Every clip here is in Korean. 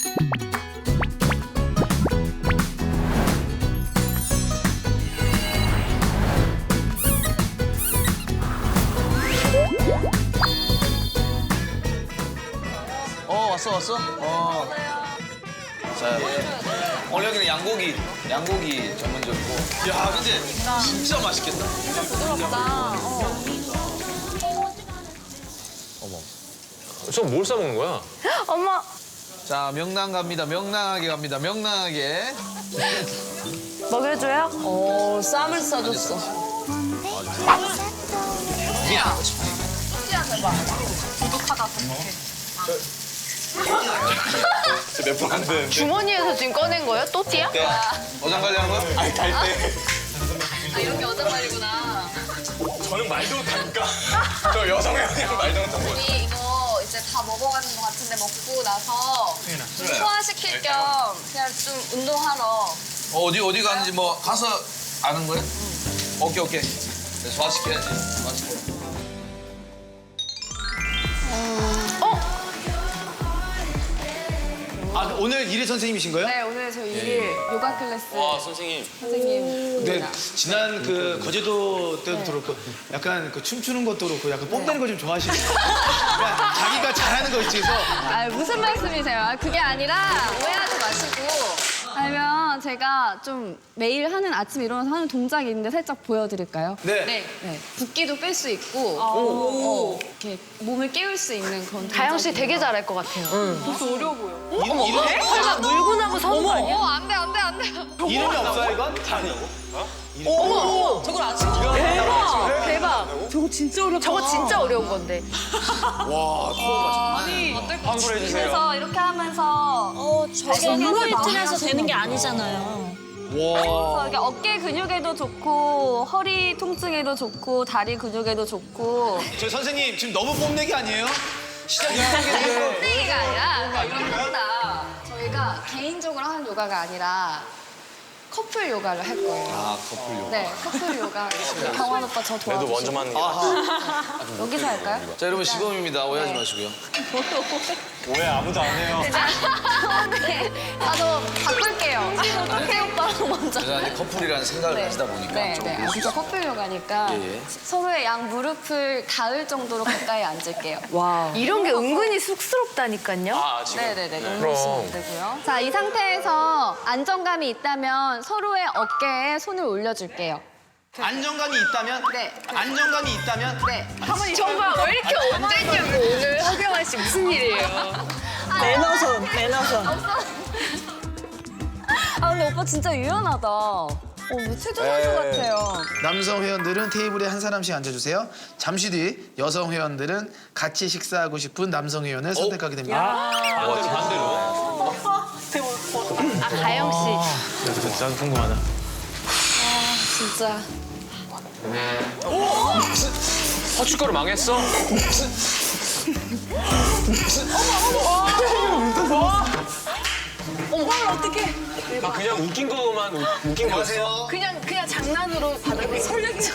왔어? 자, 오늘 여기는 양고기 전문점이고. 야, 근데 진짜 맛있겠다. 진짜 부드럽다. 전 뭘 싸먹는 거야? 엄마. 자, 명랑 갑니다. 명랑하게 갑니다. 명랑하게. 먹여줘요? 오, 쌈을 싸줬어. 몇 번 안 되는데. 주머니에서 지금 꺼낸 거예요? 또띠야? 네. 어장 관리하는 거야? 아니, 갈 때. 아, 이런 게 어장말이구나. 저는 말도 못하니까. 저 여성 회원이랑 말도 못하고. 우리 이거 이제 다 먹어가는 것 같은데 먹고 나서 좀 소화시킬 겸 그냥 좀 운동하러. 어디 가는지 뭐 가서 아는 거야? 오케이. 네, 소화시켜야지. 소화시켜. 아, 오늘 일일 선생님이신 거예요? 네, 오늘 저 일일 요가 클래스 선생님. 선생님. 네, 지난 그 거제도 때도 그렇고 약간 그 춤추는 것도 그렇고 약간 뽐내는 거 좀 좋아하시는 그러니까 자기가 잘하는 거 있지. 그래서 아, 무슨 말씀이세요? 아, 그게 아니라 오해하지 마시고. 아니면 제가 좀 매일 하는 아침 일어나서 하는 동작이 있는데 살짝 보여드릴까요? 네. 네. 붓기도 뺄 수 있고 이렇게 몸을 깨울 수 있는 그런 가영 씨 동작이에요. 되게 잘할 것 같아요. 이름, 설마 물고 나고 서는 거 아니야? 안 돼. 이름이 없어요, 이건? 저걸 아침부터 대박. 저거 진짜 어려워. 저거 진짜 어려운 건데. 그래서 이렇게 하면서 저게 홈페이트에서 되는 게 아니잖아요. 그래서 이게 어깨 근육에도 좋고 허리 통증에도 좋고 다리 근육에도 좋고 저 선생님 지금 너무 뽐내기 아니에요? 시작이 하는데 홈페이가 아니라 이겁니다. 저희가 개인적으로 하는 요가가 아니라 커플 요가를 할 거예요. 아, 커플 요가. 네, 커플 요가. 경환 오빠 저 그래도 도와주시고. 먼저 맞는 게 여기서 할까요? 자, 여러분 시범입니다. 오해하지 마시고요. 왜 아무도 안 해요? 네. 저 바꿀게요. 태오빠랑 먼저. 제가 이제 커플이라는 생각을 가지다 보니까 네. 조금 아, 진짜 커플 요가니까 예. 서로의 양 무릎을 닿을 정도로 가까이 앉을게요. 와. 이런 게 은근히 쑥스럽다니까요. 아, 지금? 네네네. 그럼. 누르시면 안 되고요. 자, 이 상태에서 안정감이 있다면 서로의 어깨에 손을 올려줄게요. 안정감이 있다면? 네. 안정감이 있다면? 네. 정말 왜 이렇게 언제냐고 오늘 허경환 씨 무슨 일이에요? 매너선. 아, 근데 오빠 진짜 유연하다. 뭐 체조 선수 같아요. 남성 회원들은 테이블에 한 사람씩 앉아주세요. 잠시 뒤 여성 회원들은 같이 식사하고 싶은 남성 회원을 선택하게 됩니다. 반대로. 아, 가영 씨. 나도 궁금하다. 진짜. 고춧가루 망했어? 아, 그냥 웃긴 거였어? 그냥 장난으로 받아들고 설레죠.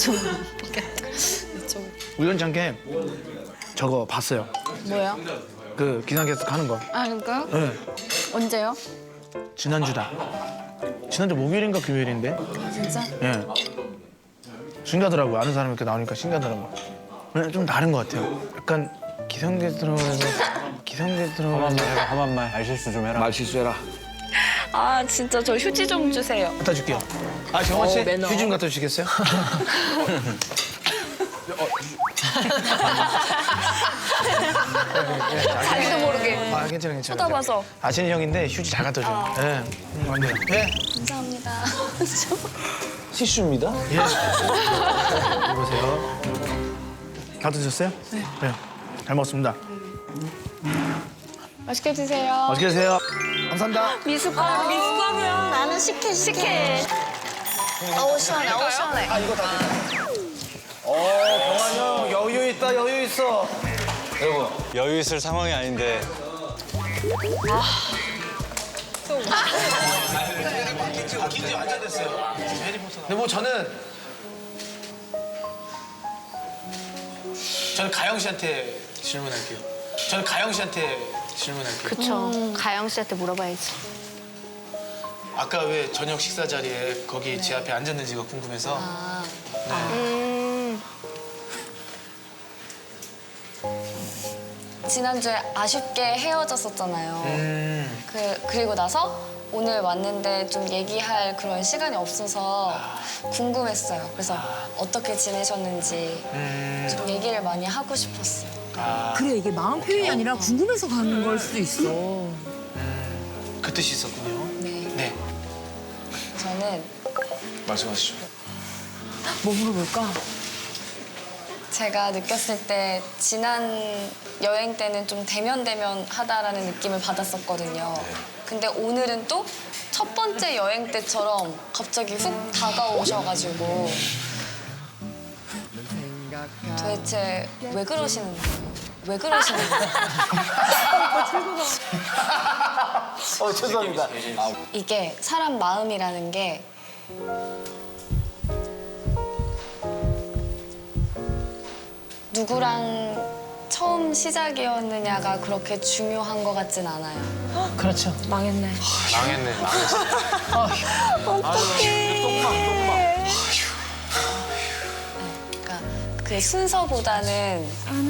우연찮게 저거 봤어요. 뭐요? 그 기상캐스터 가는 거. 아, 그럴까요? 네. 언제요? 지난주다. 지난주 목요일인가 금요일인데. 진짜? 예. 신기하더라고요. 아는 사람이 이렇게 나오니까 신기하더라고요. 네, 좀 다른 것 같아요. 약간 기상캐스터라면서 험한 말, 알실수 좀 해라. 말 실수해라. 아, 진짜 저 휴지 좀 주세요. 갖다 줄게요. 아, 정원 씨 휴지 좀 갖다 주시겠어요? 자기도 모르게. 아, 괜찮아. 쳐다봐서. 아시는 형인데 휴지 잘 갖다 줘요. 예. 안 돼요. 예. 감사합니다. 티슈입니다. 예. 여보세요. 다 드셨어요? 네. 잘 먹었습니다. 맛있게 드세요. 맛있게 드세요. 감사합니다. 미숫가루. 미숫가루야. 나는 식혜. 어우, 시원해. 어우, 시원해. 아, 이거 다 드세요. 경환 형 여유 있다, 여유 있어. 여러분, 여유 있을 상황이 아닌데. 긴지 완전 됐어요. 근데 뭐 저는 가영 씨한테 질문할게요. 질문할게요. 그쵸. 가영 씨한테 물어봐야지. 아까 왜 저녁 식사 자리에 거기 제 앞에 앉았는지가 궁금해서. 지난주에 아쉽게 헤어졌었잖아요. 그리고 나서 오늘 왔는데 좀 얘기할 그런 시간이 없어서 궁금했어요. 그래서 어떻게 지내셨는지 좀 얘기를 많이 하고 싶었어요. 그래 이게 마음 표현이 아니라 궁금해서 가는 걸 수도 있어. 그 뜻이 있었군요. 네. 네. 저는 말씀하시죠. 뭐 물어볼까? 제가 느꼈을 때 지난 여행 때는 좀 대면하다라는 느낌을 받았었거든요. 근데 오늘은 또 첫 번째 여행 때처럼 갑자기 훅 다가오셔가지고 도대체 왜 그러시는 거예요? 왜 그러시는 거예요? 죄송합니다. 이게 사람 마음이라는 게 누구랑 처음 시작이었느냐가 그렇게 중요한 것 같진 않아요. 그렇죠. 망했네. 망했네. 그러니까 그 순서보다는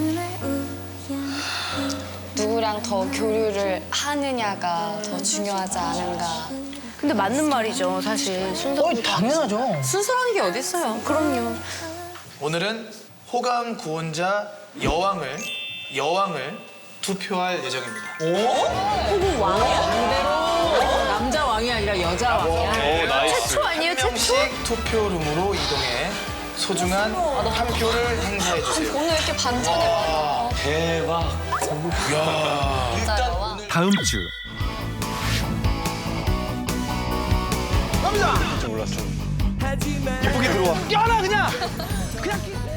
누구랑 더 교류를 하느냐가 더 중요하지 않은가. 근데 맞는 말이죠, 사실. 순서보다. 당연하죠. 순수한 게 어딨어요. 그럼요. 오늘은 호감 구원자 여왕을 투표할 예정입니다. 남자 왕이 아니라 여자 왕이야. 오, 나이스. 최초 아니에요, 최초? 명씩 투표룸으로 이동해 소중한 한 표를 행사해 주세요. 오늘 이렇게 반전이 많아. 대박. 진짜요? 다음 주 몰랐죠. 예쁘게 들어와. 껴라 그냥.